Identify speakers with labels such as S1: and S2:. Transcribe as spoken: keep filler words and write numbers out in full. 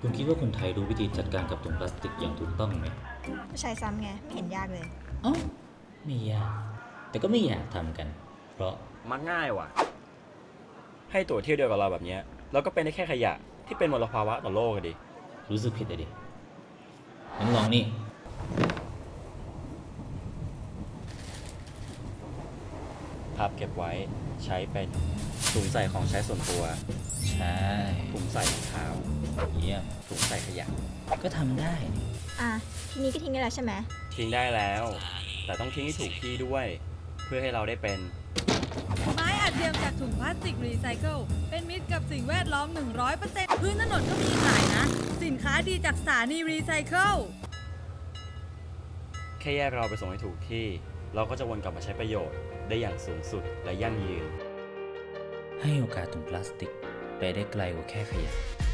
S1: คุณคิดว่าคนไทยรู้วิธีจัดการกับถุงพลาสติกอย่างถูกต้องไหม
S2: ใช้ซ้ำไง ไม่เห็นยากเลย
S1: อ๋อไม่ยาก แต่ก็ไม่อยากทำกัน เพราะ
S3: มักง่ายว่ะ ให้ตั๋วเที่ยวเดียวกับเราแบบเนี้ยเราก็เป็นได้แค่ขยะที่เป็นมลภาวะต่อโลกอะดิ
S1: รู้สึกผิดอะดิงั้นลองนี่
S3: พับเก็บไว้ใช้เป็นถุงใส่ของใช้ส่วนตัว
S1: ใช่
S3: ถุงใส่รองเท้า
S1: เยี่ยม
S3: ถุงใส่ขยะ
S1: ก็ทำได้นี่
S2: อ่ะ ทีนี้ก็ทิ้งได้แล้วใช่ไหม
S3: ทิ้งได้แล้ว แต่ต้องทิ้งให้ถูกที่ด้วย เพื่อให้เราได้เป็น
S4: ไม้อัดเทียมจากถุงพลาสติกรีไซเคิลเป็นมิตรกับสิ่งแวดล้อม หนึ่งร้อยเปอร์เซ็นต์ พื้นถนนก็มีขายนะ สินค้าดีจากสถานีรีไซเคิล
S3: แค่แยกเราไปส่งให้ถูกที่ เราก็จะวนกลับมาใช้ประโยชน์ได้อย่างสูงสุดและยั่งยืน
S1: ให้โอกาสถุงพลาสติก ไปได้ไกลกว่าแค่ขยะ